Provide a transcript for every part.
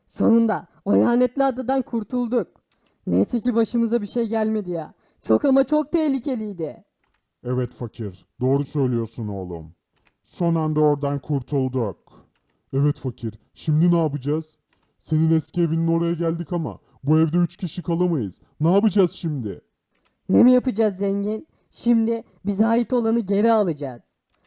Sonunda o lanetli adadan kurtulduk. Neyse ki başımıza bir şey gelmedi ya. Çok ama çok tehlikeliydi. Evet fakir, doğru söylüyorsun oğlum. Son anda oradan kurtulduk. Evet fakir, şimdi ne yapacağız? Senin eski evinin oraya geldik ama bu evde 3 kişi kalamayız. Ne yapacağız şimdi? Ne mi yapacağız zengin? Şimdi bize ait olanı geri alacağız.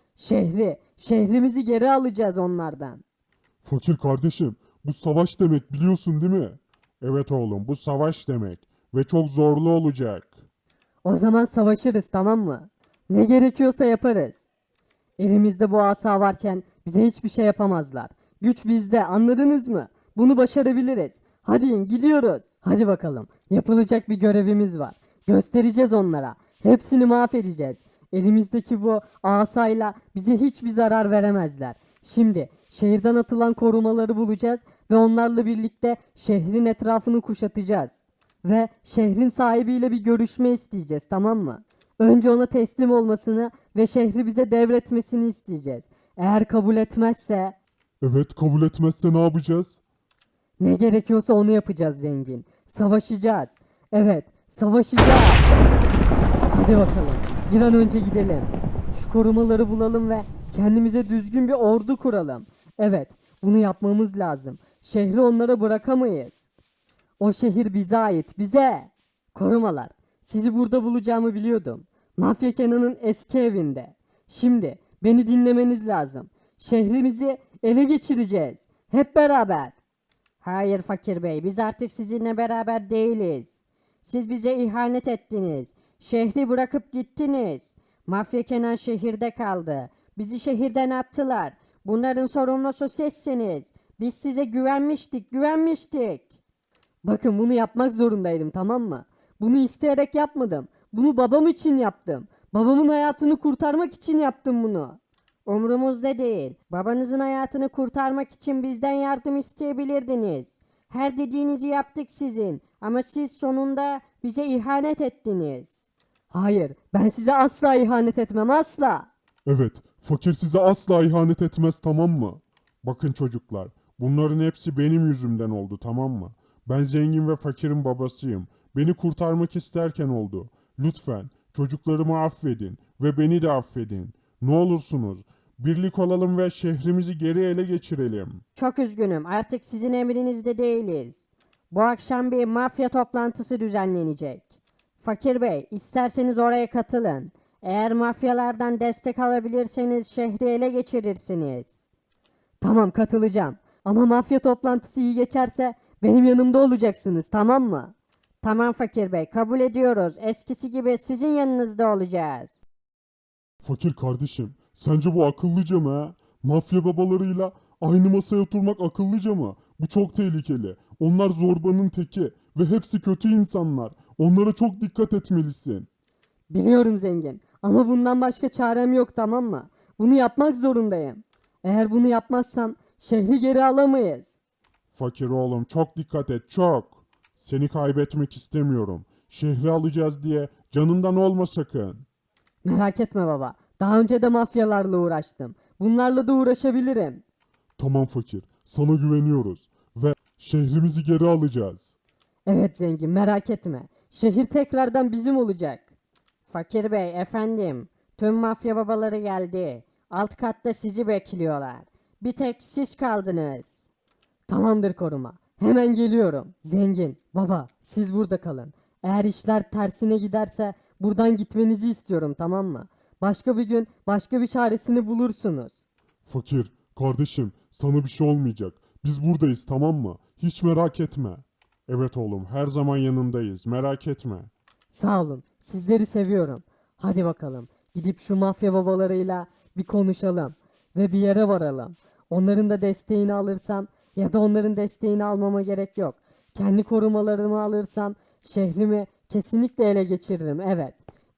Şehrimizi geri alacağız onlardan. Fakir kardeşim, bu savaş demek biliyorsun değil mi? Evet oğlum, bu savaş demek ve çok zorlu olacak. O zaman savaşırız, tamam mı? Ne gerekiyorsa yaparız. Elimizde bu asa varken bize hiçbir şey yapamazlar. Güç bizde, anladınız mı? Bunu başarabiliriz. Hadi in, gidiyoruz. Hadi bakalım. Yapılacak bir görevimiz var. Göstereceğiz onlara. Hepsini mahvedeceğiz. Elimizdeki bu asayla bize hiçbir zarar veremezler. Şimdi şehirden atılan korumaları bulacağız ve onlarla birlikte şehrin etrafını kuşatacağız. Ve şehrin sahibiyle bir görüşme isteyeceğiz, tamam mı? Önce ona teslim olmasını ve şehri bize devretmesini isteyeceğiz. Eğer kabul etmezse Evet, kabul etmezse ne yapacağız? ne gerekiyorsa onu yapacağız zengin. Savaşacağız. Evet, savaşacağız. Hadi bakalım. Bir an önce gidelim. Şu korumaları bulalım ve kendimize düzgün bir ordu kuralım. Evet, bunu yapmamız lazım. Şehri onlara bırakamayız. O şehir bize ait, bize. Korumalar, sizi burada bulacağımı biliyordum. Mafya Kenan'ın eski evinde. Şimdi beni dinlemeniz lazım. Şehrimizi ele geçireceğiz. Hep beraber. Hayır Fakir Bey, biz artık sizinle beraber değiliz. Siz bize ihanet ettiniz. Şehri bırakıp gittiniz. Mafya Kenan şehirde kaldı. Bizi şehirden attılar. Bunların sorumlusu sizsiniz. Biz size güvenmiştik, güvenmiştik. Bakın bunu yapmak zorundaydım, tamam mı? Bunu isteyerek yapmadım. Bunu babam için yaptım. Babamın hayatını kurtarmak için yaptım bunu. Umrumuzda değil. Babanızın hayatını kurtarmak için bizden yardım isteyebilirdiniz. Her dediğinizi yaptık sizin. Ama siz sonunda bize ihanet ettiniz. Hayır, ben size asla ihanet etmem, asla. Evet, fakir size asla ihanet etmez, tamam mı? Bakın çocuklar, bunların hepsi benim yüzümden oldu, tamam mı? Ben zengin ve fakirin babasıyım. Beni kurtarmak isterken oldu. Lütfen çocuklarımı affedin ve beni de affedin. Ne olursunuz, birlik olalım ve şehrimizi geri ele geçirelim. Çok üzgünüm. Artık sizin emrinizde değiliz. Bu akşam bir mafya toplantısı düzenlenecek. Fakir Bey, isterseniz oraya katılın. Eğer mafyalardan destek alabilirseniz şehri ele geçirirsiniz. Tamam, katılacağım. Ama mafya toplantısı iyi geçerse benim yanımda olacaksınız, tamam mı? Tamam Fakir Bey, kabul ediyoruz. Eskisi gibi sizin yanınızda olacağız. Fakir kardeşim, sence bu akıllıca mı ha? Mafya babalarıyla aynı masaya oturmak akıllıca mı? Bu çok tehlikeli. Onlar zorbanın teki ve hepsi kötü insanlar. Onlara çok dikkat etmelisin. Biliyorum zengin ama bundan başka çarem yok, tamam mı? Bunu yapmak zorundayım. Eğer bunu yapmazsam şehri geri alamayız. Fakir oğlum çok dikkat et çok. Seni kaybetmek istemiyorum. Şehri alacağız diye canından olma sakın. Merak etme baba. Daha önce de mafyalarla uğraştım. Bunlarla da uğraşabilirim. Tamam fakir, sana güveniyoruz ve şehrimizi geri alacağız. Evet zengin, merak etme. Şehir tekrardan bizim olacak. Fakir Bey, efendim. Tüm mafya babaları geldi. Alt katta sizi bekliyorlar. Bir tek siz kaldınız. Tamamdır koruma. Hemen geliyorum. Zengin, baba, siz burada kalın. Eğer işler tersine giderse buradan gitmenizi istiyorum, tamam mı? Başka bir gün başka bir çaresini bulursunuz. Fakir, kardeşim, sana bir şey olmayacak. Biz buradayız, tamam mı? Hiç merak etme. Evet oğlum, her zaman yanındayız. Merak etme. Sağ olun. Sizleri seviyorum. Hadi bakalım. Gidip şu mafya babalarıyla bir konuşalım ve bir yere varalım. Onların da desteğini alırsam ya da onların desteğini almama gerek yok. Kendi korumalarımı alırsam şehrimi kesinlikle ele geçiririm. Evet.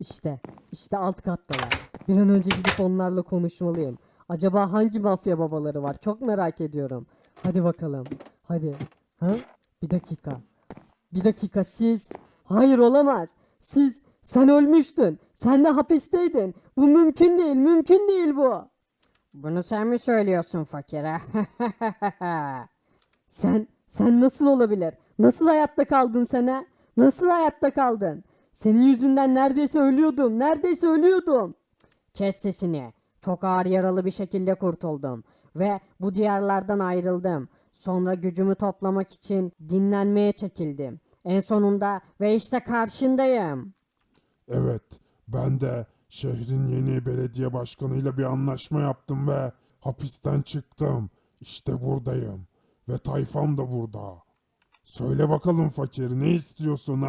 İşte alt kattalar. Bir an önce gidip onlarla konuşmalıyım. Acaba hangi mafya babaları var? Çok merak ediyorum. Hadi bakalım. Hadi. Ha? Bir dakika. Bir dakika, siz... Hayır, olamaz. Sen ölmüştün. Sen de hapisteydin. Bu mümkün değil, mümkün değil bu. Bunu sen mi söylüyorsun fakire? Sen nasıl olabilir? Nasıl hayatta kaldın sen ha? Nasıl hayatta kaldın? Senin yüzünden neredeyse ölüyordum. Neredeyse ölüyordum. Kes sesini. Çok ağır yaralı bir şekilde kurtuldum. Ve bu diyarlardan ayrıldım. Sonra gücümü toplamak için dinlenmeye çekildim. En sonunda ve işte karşındayım. Evet, ben de şehrin yeni belediye başkanıyla bir anlaşma yaptım ve hapisten çıktım. İşte buradayım ve tayfam da burada. Söyle bakalım fakir, ne istiyorsun?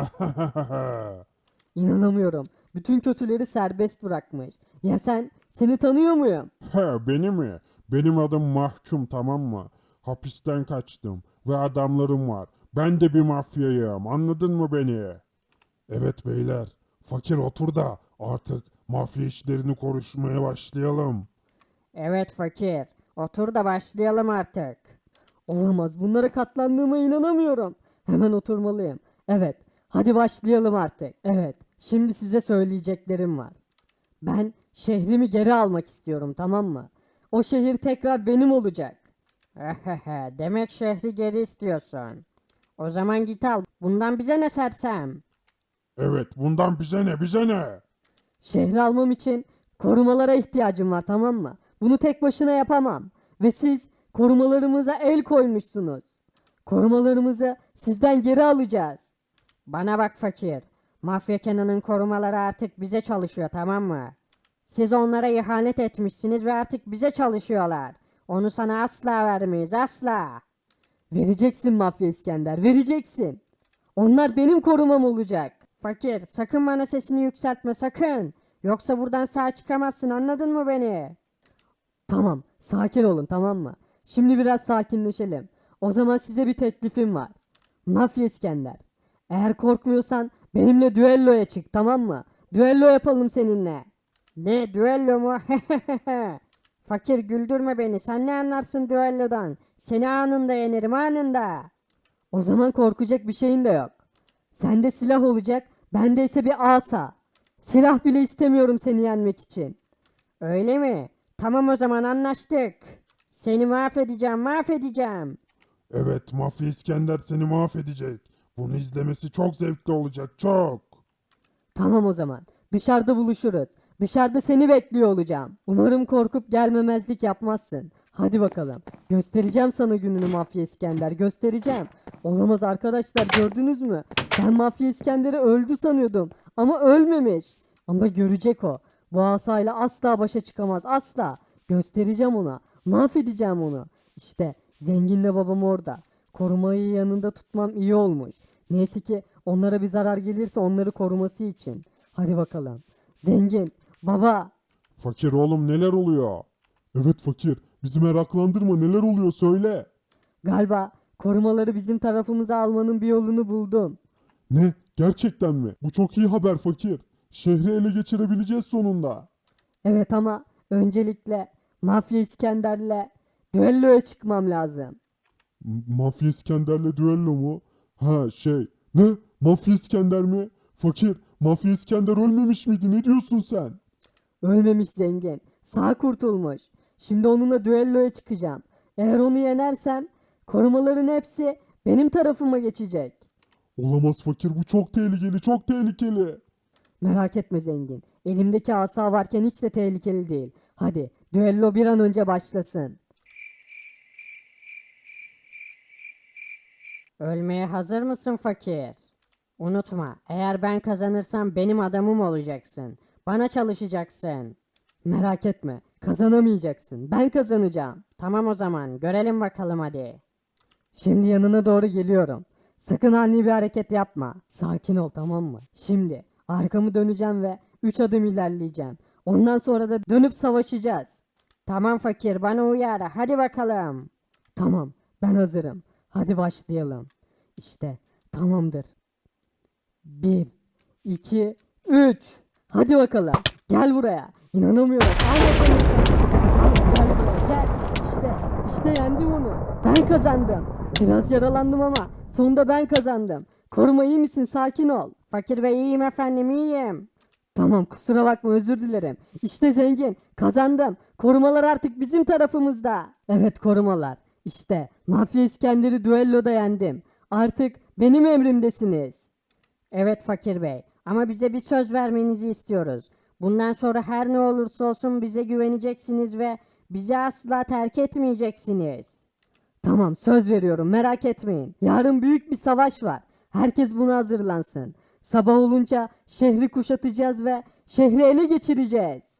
İnanamıyorum. Bütün kötüleri serbest bırakmış. Ya sen? Seni tanıyor muyum? He, beni mi? Benim adım Mahkum, tamam mı? Hapisten kaçtım ve adamlarım var. Ben de bir mafyayım, anladın mı beni? Evet beyler, fakir otur da artık mafya işlerini konuşmaya başlayalım. Evet fakir. Otur da başlayalım artık. Olamaz. Bunlara katlandığıma inanamıyorum. Hemen oturmalıyım. Evet. Hadi başlayalım artık. Evet. Şimdi size söyleyeceklerim var. Ben şehrimi geri almak istiyorum, tamam mı? O şehir tekrar benim olacak. Demek şehri geri istiyorsun. O zaman git al. Bundan bize ne sersem? Evet, bundan bize ne, bize ne? Şehri almam için korumalara ihtiyacım var, tamam mı? Bunu tek başına yapamam. Ve siz korumalarımıza el koymuşsunuz. Korumalarımızı sizden geri alacağız. Bana bak fakir. Mafya Kenan'ın korumaları artık bize çalışıyor, tamam mı? Siz onlara ihanet etmişsiniz ve artık bize çalışıyorlar. Onu sana asla vermeyiz, asla. Vereceksin Mafya İskender, vereceksin. Onlar benim korumam olacak. Fakir, sakın bana sesini yükseltme, sakın. Yoksa buradan sağ çıkamazsın, anladın mı beni? Tamam, sakin olun, tamam mı? Şimdi biraz sakinleşelim. O zaman size bir teklifim var. Mafya İskender. Eğer korkmuyorsan benimle düelloya çık, tamam mı? Düello yapalım seninle. Ne, düello mu? Fakir, güldürme beni. Sen ne anlarsın düellodan? Seni anında yenerim, anında. O zaman korkacak bir şeyin de yok. Sende silah olacak, bende ise bir asa. Silah bile istemiyorum seni yenmek için. Öyle mi? Tamam, o zaman anlaştık. Seni mahvedeceğim, mahvedeceğim. Evet, Mafya İskender seni mahvedecek. Bunu izlemesi çok zevkli olacak, çok. Tamam o zaman. Dışarıda buluşuruz. Dışarıda seni bekliyor olacağım. Umarım korkup gelmemezlik yapmazsın. Hadi bakalım. Göstereceğim sana gününü Mafya İskender. Göstereceğim. Olamaz arkadaşlar, gördünüz mü? Ben Mafya İskender'i öldü sanıyordum. Ama ölmemiş. Ama görecek o. Bu asayla asla başa çıkamaz. Asla. Göstereceğim ona. Mahvedeceğim onu. İşte zenginle babam orada. Korumayı yanında tutmam iyi olmuş. Neyse ki onlara bir zarar gelirse onları koruması için. Hadi bakalım. Zengin, baba. Fakir oğlum, neler oluyor? Evet fakir, bizi meraklandırma, neler oluyor söyle. Galiba korumaları bizim tarafımıza almanın bir yolunu buldum. Ne? Gerçekten mi? Bu çok iyi haber fakir. Şehri ele geçirebileceğiz sonunda. Evet ama öncelikle Mafya İskender'le düelloya çıkmam lazım. Mafya İskender'le düello mu? Ha şey. Ne? Mafya İskender mi? Fakir, Mafya İskender ölmemiş miydi? Ne diyorsun sen? Ölmemiş zengin. Sağ kurtulmuş. Şimdi onunla düelloya çıkacağım. Eğer onu yenersem korumaların hepsi benim tarafıma geçecek. Olamaz fakir, bu çok tehlikeli, çok tehlikeli. Merak etme zengin. Elimdeki asa varken hiç de tehlikeli değil. Hadi düello bir an önce başlasın. Ölmeye hazır mısın fakir? Unutma, eğer ben kazanırsam benim adamım olacaksın. Bana çalışacaksın. Merak etme, kazanamayacaksın. Ben kazanacağım. Tamam o zaman, görelim bakalım hadi. Şimdi yanına doğru geliyorum. Sakın ani bir hareket yapma. Sakin ol, tamam mı? Şimdi arkamı döneceğim ve 3 adım ilerleyeceğim. Ondan sonra da dönüp savaşacağız. Tamam fakir, bana uyar. Hadi bakalım. Tamam, ben hazırım. Hadi başlayalım. İşte tamamdır. 1, 2, 3. Hadi bakalım. Gel buraya. İnanamıyorum. Al bakalım sen. Al, gel buraya gel. İşte yendim onu. Ben kazandım. Biraz yaralandım ama sonunda ben kazandım. Koruma iyi misin? Sakin ol. Fakir bey iyiyim efendim, iyiyim. Tamam, kusura bakma, özür dilerim. İşte zengin, kazandım. Korumalar artık bizim tarafımızda. Evet korumalar. İşte Mafya İskender'i düelloda yendim. Artık benim emrimdesiniz. Evet Fakir Bey ama bize bir söz vermenizi istiyoruz. Bundan sonra her ne olursa olsun bize güveneceksiniz ve bizi asla terk etmeyeceksiniz. Tamam söz veriyorum merak etmeyin. Yarın büyük bir savaş var. Herkes buna hazırlansın. Sabah olunca şehri kuşatacağız ve şehri ele geçireceğiz.